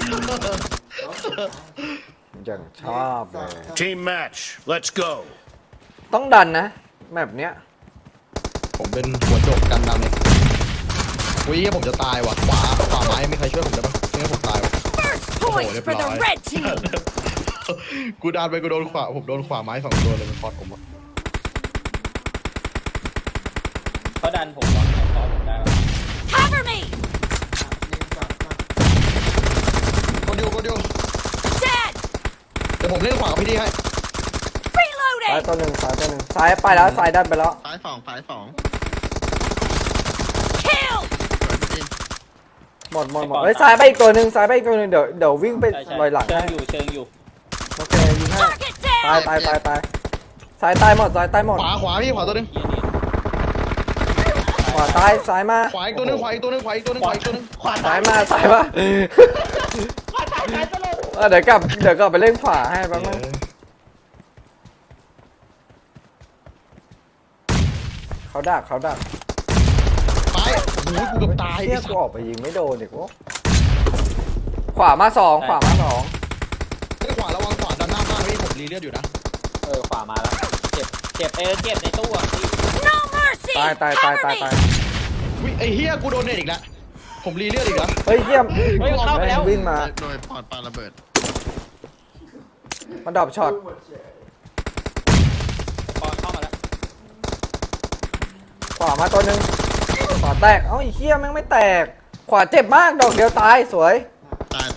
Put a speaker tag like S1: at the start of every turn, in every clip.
S1: อย่างชอบเลย
S2: Team match. Let's go.
S1: ต้องดันนะแบบเนี้ย
S3: ผมเป็นหัวโจกกันดำเนี่ยวิ่งผมจะตายว่ะขวาไม้ไม่ใครช่วยผมได้ปะไม่งั้นผมตายว่ะ
S4: Point for the red team.
S3: กูดันไปกูโดนขวาผมโดนขวาไม้2 ตัวเลยมันพอดผมอ่ะ
S5: เขาดันผมวะเขาผมได้ปะ
S4: Cover me.
S3: กดอยู่
S4: Dead.
S3: เดี๋ยวผมเล่นขวากับพี่ดีให้
S1: ซ้าย
S4: Reloading.
S1: ตัวหนึ่งซ้ายไปแล้วซ้ายดันไปแล้ว
S6: ซ้ายสอง
S4: Kill.
S1: หมดเฮ้ยซ้ายไปอีกตัวหนึ่งเดี๋ยววิ่งไปลอยหลัง
S5: เชิ
S1: ให้
S5: งอยู่
S1: โอเคยิงให้
S4: Target
S1: ตาย
S4: down.
S1: ซ้ายตายหมด
S3: ขวาพี่ขวาตัวนึง
S5: เฮียนี่
S1: ขวาตายซ้ายมา
S3: ขวาอีกตัวนึงขวาอีกตัวนึง
S1: ซ้ายมาเดี๋ยวกลับไปเล่นขวาให้แป๊บนึงเขาดัก
S3: ไปโอ้โหกูเกือบตาย
S1: เที่ยกูออกไปยิงไม่โดนอีกวะขวามาสอง
S3: ไอ้ขวาระวังขวาดันหน้าบ้านพี่ผมรีเลือดอยู่นะ
S5: ขวามาแล้วเจ็บในตู้อ่ะพี่
S4: No mercy.
S1: ตาย
S4: Cover me.
S3: วิไอ้เฮียกูโดนเน็ตอีกแล้วผมรีเลือดอีกแล้ว
S1: เฮ้ยเยี่ยม
S5: เข้าไปแล้ว
S1: วิ่งมา
S6: โดยปอดปาระเบิด
S1: มันดรอปช็อต
S5: ปอนเข้ามาแล้ว
S1: ขวามาตัวหนึ่งขวาแตกเอ้าไอ้เหี้ยแม่งไม่แตกขวาเจ็บมากดอกเดียวตายสวย
S6: ตาย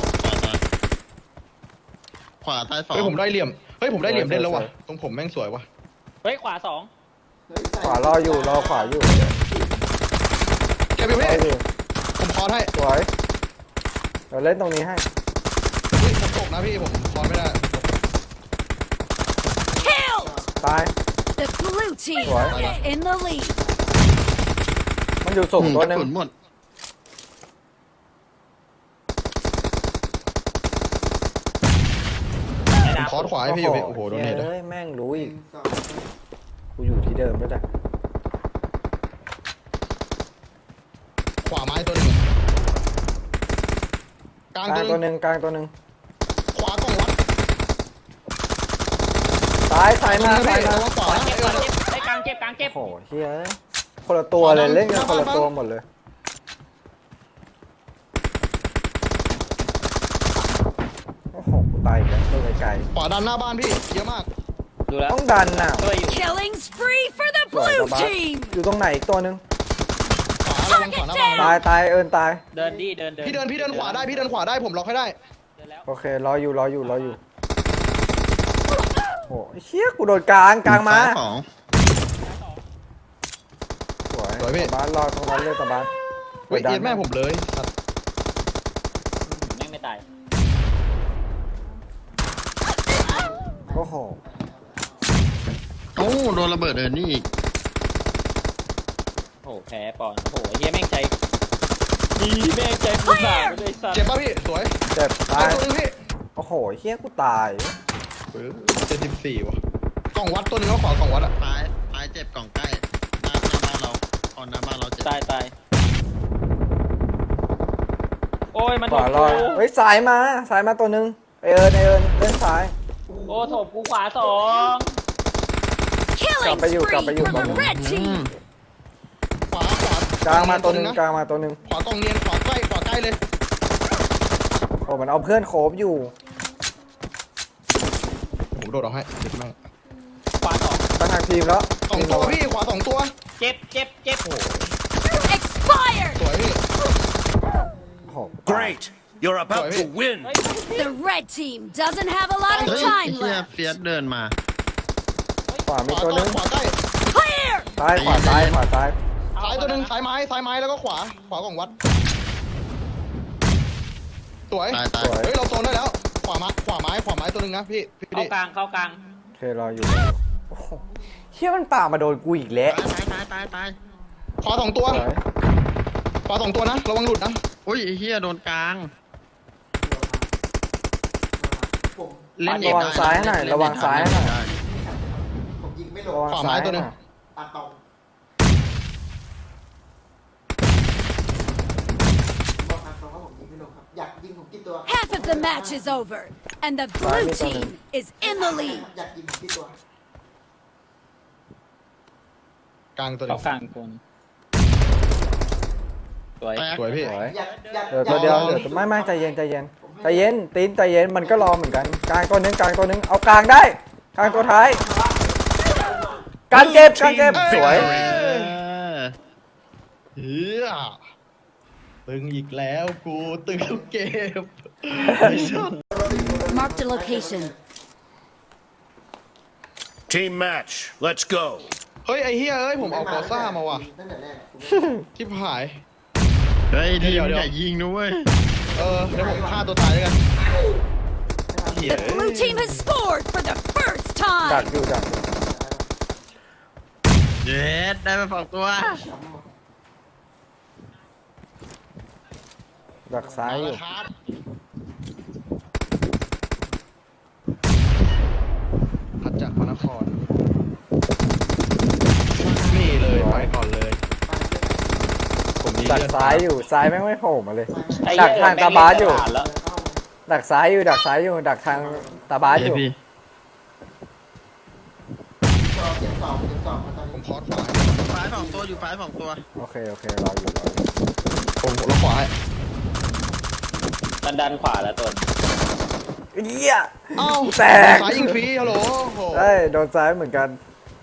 S6: ขวาตาย 2
S3: เฮ้ยผมได้เหลี่ยมเล่นแล้วว่ะตรงผมแม่งสวยว่ะ
S5: เฮ้ยขวา2
S1: ขวารอขวาอยู่
S3: เก็บอยู่พี่
S1: รออยู่
S3: ผมคอให้
S1: สวยเดี๋ยวเล่นตรงนี้ให้
S3: ผมตกนะพี่ผมคอไม่ได้
S4: Killed.
S1: ตาย
S4: The blue team
S1: What?
S4: is in the lead.
S1: มันอยู่สูงตัวหนึง
S6: กระสุนหมด
S5: ใน
S3: ผม
S5: น้ำ
S3: คอขวาให้พี่อยู่พี่โอ้โหโดนเน็ต
S1: เฮ้ยแม่งรู้อีกกูอยู่ที่เดิมด้วยจ้ะ
S3: ขวาไม้ตัวหนึ่งกลาง
S1: กลาง
S3: ตั
S1: ตัว ว
S3: ห
S1: ห
S3: นึ่ง
S1: นึ่งกลางตัวหนึ่ง
S3: ขวากล่องวัด
S1: ซ้ายมา
S3: ระวังขวา
S5: เจ็บไอ้กลางเจ็บ
S1: โอ้โหเฮ้ยคนละตัวเลยเล่นกันคนละตัวหมดเลยโอ้โหกูตายอีกแล้วตัวไกล
S3: ขวาดันหน้าบ้านพี่เยอะมาก
S5: ดูแล้ว
S1: ๆต้องดันน่ะ
S5: ช่วยอยู่
S4: Killing spree for the
S1: สวย
S4: blue
S1: กว่าบ้า
S4: team.
S1: อยู่ตรงไหนอีกตัวหนึ่ง
S3: ขวาระวังขวาหน้าบ้าน
S1: ตายเอิญตาย
S5: เดิน
S3: พี่เดินขวาได้ผมล็อกให้ได้
S5: เดินแล้ว
S1: โอเครออยู่โอ้ยเชี่ยกูโดนกลางมา
S6: ซ้าย 2
S1: สวยบ้านรอตรงนั้นเลยตะบ้าน
S3: เฮ้ยเอียดแม่ผมเลยสัตว์
S5: แม่งไม่ตาย
S1: โอ้โห
S6: โอ้โดนระเบิดนี่อีก
S5: โอ้โหแพ้ปอนโอ้โหเฮียแม่งใจดีแม่งใจผู้สาวเลยสัตว์
S3: เจ็บป่ะพี่สวย
S1: เจ็บ
S3: ตา
S1: ตาย ย
S3: ตัวนึงพี่
S1: โอ้โหเฮี้ยกูตาย
S3: 74ว่ะกล่องวัดตัวนึงก็ขวากล่องวัดอะ
S6: ซ้ายเจ็บกล่องใกล้หน้าบ้านเราหน้าบ้านเราเจ็บ
S5: ตายโอ้ยมัน
S1: ข
S5: ถ
S1: วาม รอ
S5: กู
S1: เฮ้ยซ้ายมาตัวหนึงเอิญเล่นซ้าย
S5: โอ้ถมกูขวา2
S4: Killing
S1: Capa you,
S4: spree
S1: capa you,
S4: for the
S1: capa you.
S4: red team.
S3: ขวาก
S1: ลางมาตัวหนึง
S3: ขวากล่องเนียนขวาใกล้เลย
S1: โอ้มันเอาเพื่อนโคบอยู่
S3: ผมโดดออกให้เจ็บแม่ง
S5: ขวา2
S1: ตั้งทางทีมแล้ว
S3: 2 ตัวพี่ขวา2 ตัว
S5: เจ็บ
S4: Expired.
S3: สวยพี่
S1: โอ้โห
S2: Great. You're about to win.
S4: The red team doesn't have a lot
S6: เฮ้
S4: of
S6: ยไอ้
S4: time
S6: เฮีย
S4: left.
S6: เฟียสเดินมา
S1: ขวา
S3: ข
S1: มี
S3: วา
S1: ตัวหนึง
S3: ขวาใกล้
S4: Clear.
S1: ซ้ายขวาซ้าย
S3: ซ้ายตัวนึงซ้ายไม้แล้วก็ขวากล่องวัดสวย
S6: ตาย
S3: เฮ้ยเราโซนได้แล้วขวาไม้ตัวนึงนะพี่
S5: เข้ากลาง
S1: โอเครออยู่โอ้โหเฮี้ยมันป่ามาโดนกูอีกแล้ว
S6: ตาย
S3: ขวา2 ตัว
S1: สวย
S3: ขวา2 ตัวนะระวังหลุดนะ
S6: อุ้ยไอ้เฮียโดนกลาง
S1: ระวังซ้ายหน่อยระวังซ้ายหน่อย
S7: ผมยิงไม่ล
S1: ระ
S7: ง
S1: วัง
S3: ขวา
S1: ซ้า
S3: ไม้
S1: ย
S3: ตัวนึง
S7: ตัดตรงบอกทางตรงว่าผมยิงไม่ลงครับอยากยิงผมกี่ตัว
S4: Half of the match is over, and the blue team is in the lead.
S7: อยากยิงผมกี่ตัว
S3: กลางตัวหนึ
S5: เขา
S3: ง
S5: กลางคนสวย
S6: แตก
S3: สวยพี่
S1: สวย
S7: อยากอยาก
S1: เดี๋ยวตัวเดียวเดี๋ยวไม่ใจเย็นใจเย็นใจเย็นตีนใจเย็นมันก็รอเหมือนกันกลางตัวนึงกลางตัวนึงเอากลางได้กลางตัวท้ายกลางเก็บกลางเก็บสวย
S3: เฮียตึงอีกแล้วกูตึงทุกเกม
S4: Marked a location.
S2: Team match. Let's go.
S3: เฮ้ยไอ้เฮียเอ้ยผมเอากอซ่ามาว่ะ
S7: ตั้งแต่แรก
S3: ที่หาย
S6: เฮ้ยดี
S3: เดี๋ยว
S6: อย่ายิงนะเว้ย
S3: เดี๋ยวผมฆ่าตัวตายด้วยกันเหี้ย
S4: The blue team has scored for the first
S1: ดัก
S4: time.
S1: อยู่ดักอยู่
S6: เย็ดได้มา2ตัว
S1: ดักซ้ายอยู่
S3: ครับพัดจากพระนครนี่เลยไปก่อนเลยผมนี่
S1: ดัก
S3: เลือด
S1: ซ้ายอยู่ซ้ายแม่งไม่โผล่มาเลย
S5: ไอ้
S1: ดัก
S5: เหี้ย
S1: ทางตาบาสอยู่
S5: แม่งเล่นตลดแล้ว
S1: ดักซ้ายอยู่ดักซ้ายอยู่ดักทางตาบาสอยู่
S6: พี่
S7: เก็บสองมาตอน
S3: ผม
S7: นี้
S3: คอร์สขวา
S6: ฟ้า2ตัวอยู่ฟ้า2ตัว
S1: โอเคโอเครออยู่รออยู่
S3: ผมลงขวาให้
S5: มันดันขวาแล้วตัว
S1: เหี้ย
S3: เอ้า
S1: แตก
S3: ซ้ายยิงฟรีฮัลโหลโอ้โห
S1: เอ้ยโดนซ้ายเหมือนกัน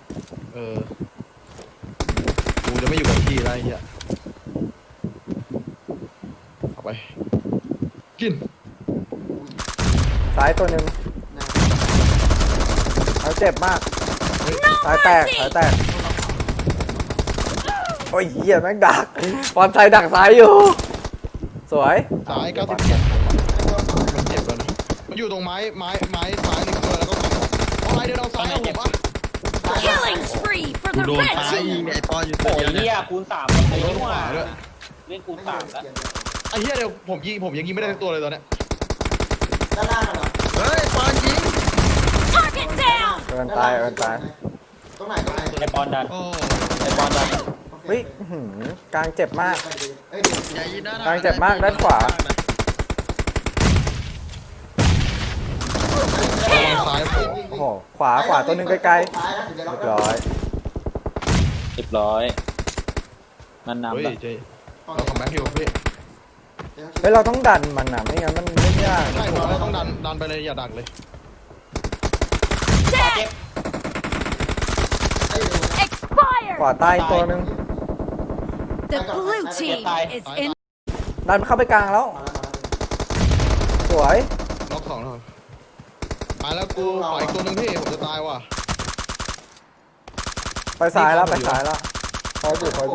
S3: กูจะไม่อยู่กับที่แล้วไอ้เหี้ยเอาไปกิน
S1: ซ้ายตัวหนึ่งเขาเจ็บมากสายแตกสายแตกโอ้ยเหี้ยแม่งดักบอลไซดักซ้ายอยู่ สวย
S3: ซ้าย97มันเจ็บแล้วนะมันอยู่ตรงไม้ซ้ายหนึ่งตัวแล้วก็เอาไม้เดินเอาซ้ายเอาผมปะ
S4: Killing spree for
S6: กู
S4: the
S6: โดน
S4: red
S6: ซ้ายยิง
S4: team.
S6: ไอ้ปอนอยู่ตั
S5: โอ้
S6: วย เดียว
S5: เหี้
S6: เนี่ย
S5: ยคูณ3มันเลยนี่หว่า
S3: ด้วย
S5: เล่นคูณ3แล้ว
S3: ไอ้เหี้ยเดี๋ยวผมยังยิงไม่ได้ทั้งตัวเลยตอนเนี้ย
S7: ด้านล่างเหรอ
S6: เฮ้ยปอนยิง
S4: Target down.
S1: เอินตายเอินตาย
S7: ตรงไหน
S5: ไอ้บอลดัน
S6: โอ้
S5: ไอ้บอลดัน
S1: เฮ้ยอื้อหือกลางเจ็บมาก
S7: เอ้ย
S6: อย่ายิงด้านห
S1: กลางเจ็บมากด้านขวา
S3: ซ้ายผม
S1: โอ้โหขวาตัวหนึงไกลๆเรียบร้อย
S5: มันนำ
S3: เฮ้ย
S5: แล้ว
S3: เจเราคัมแบ็กอยู่พี่
S1: เฮ้ยเราต้องดันมันนะไม่งั้นมันไม่ยาก
S3: ใช่ผมว่าต้องดันไปเลยอย่าดักเลย
S4: Dead.
S1: ขวา
S4: Expired.
S1: ใต้ตัวหนึง
S4: The blue team is in.
S1: ดันเข้าไปกลางแล้ว สวย
S3: ล็อก2แล้วตายแล้วกูปล่อยอีกตัวหนึงพี่ผมจะตายว่ะ
S1: ไปซ้ายแล้วไปซ้ายแล้วคอยอยู่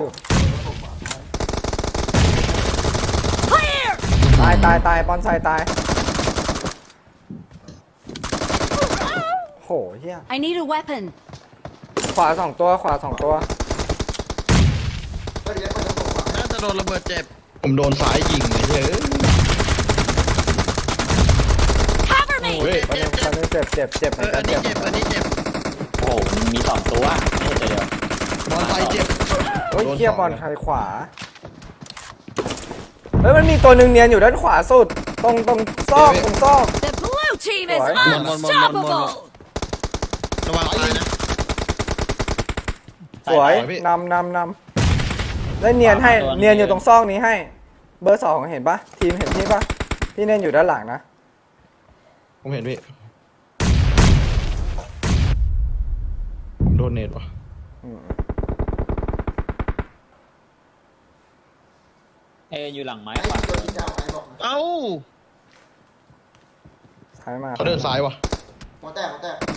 S4: Clear.
S1: ตายบอลไซตายโหเฮีย
S4: I need a weapon.
S1: ขวาสองตัว
S6: น่าจะโดนระเบิดเจ็บ
S3: ผมโดนซ้ายยิงเลยเฮ้ย
S4: Cover me.
S3: เฮ้ย
S1: ตอนนี้เจ็บเหมือนกั
S6: อั
S1: น
S6: นนี้
S1: เจ็บ
S6: เจ็บอันนี้เจ็บ
S5: โอ้โหมันมี2ตัวไม่ใช่ตัวเดียว
S3: บอลไซเจ็บ
S1: เฮ้ยเฮียบอลไทยขวาเฮ้ยมันมีตัวหนึ่งเนียนอยู่ด้านขวาสุดตรงซอก
S4: The blue team is
S1: Right.
S4: unstoppable.
S6: ระวังซ้ายนะ
S1: สวยนำแล้วเนียนให้เนียนอยู่ตรงซอกนี้ให้ เบอร์2เห็นปะทีมเห็นพี่ปะพี่เนียนอยู่ด้านหลังนะ
S3: ผมเห็นพี่ผมโดนเนตว่ะ
S5: อยู่หลังไม้
S7: ไอ้
S5: ขวา
S7: ตัวที่จะเอาไอ้บอกนะ
S6: เอ้า
S1: ซ้ายมา
S3: เขาเดินซ้ายว่ะ
S7: หัวแตก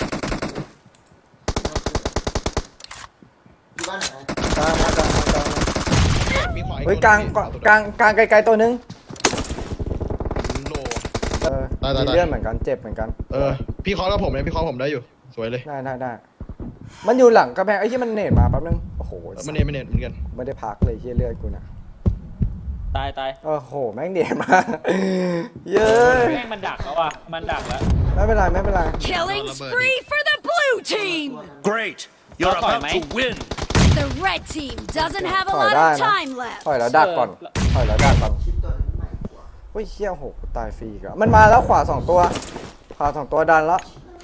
S7: อยู่บ้านไหน
S1: กลาง
S3: มีขวาอี
S1: เฮ้ย
S3: ตัว
S1: กลาง
S3: พี่
S1: กลางไกลๆตัวนึง
S3: โล
S1: มีเลื่อนเหมือนกันเจ็บเหมือนกัน
S3: พี่เคอแล้วผมเลยพี่เคอผมได้อยู่สวยเลย
S1: ได้มันอยู่หลังกระแพงไอ้ที่มันเนตมาแป๊บนึงโอ้โห
S3: ไม่เนตเหมือนกัน
S1: ไม่ได้พักเลยเฮียเลือดกูนะ
S5: ตาย
S1: โอ้โหแม่งเนตมาเย้ย
S5: แม่งมันดักแล้วว่ะมันดักแล้ว
S1: ไม่เป็นไร
S4: Killing spree for the blue team.
S2: Great. You're
S5: Okay,
S2: about to
S5: mate.
S2: win.
S4: The red team doesn't have a
S1: ถอย
S4: lot
S1: ได้
S4: of
S1: นะ
S4: time left.
S1: ถอยแล้วดักก่อน
S7: คิดตัวนี้ใหม่กว่า
S1: โอ้ยเชี่ยโหกูตายฟรีอีกอะมันมาแล้วขวา2ตัวขวา2ตัวดันแล้ว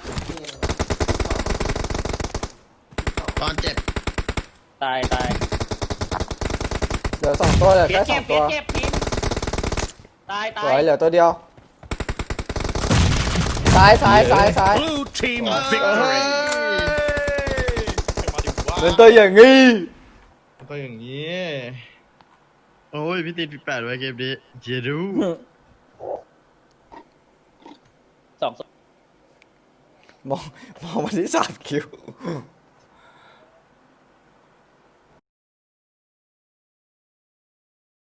S6: ตอนเจ็บ
S5: ตายตาย
S1: เหลือ2ตัวเหลือ
S5: เพีย
S1: แค่
S5: เจ็บ
S1: 2
S5: เพี
S1: ตั
S5: ยว เจ็บพิมตายตา
S1: สวย ยเหลือตัวเดียวซ้ายซ้ายซ้ายซ้าย
S2: Blue team
S3: เฮ้
S2: victory.
S3: ยมาดิวะ
S1: เดินตัวอย่างงี้
S3: ก็อย่างนี้
S6: โอ้ยพี่ตีนปี8ไว้เกมนี้เจดู
S5: สอง
S1: มองมาที่3 คิว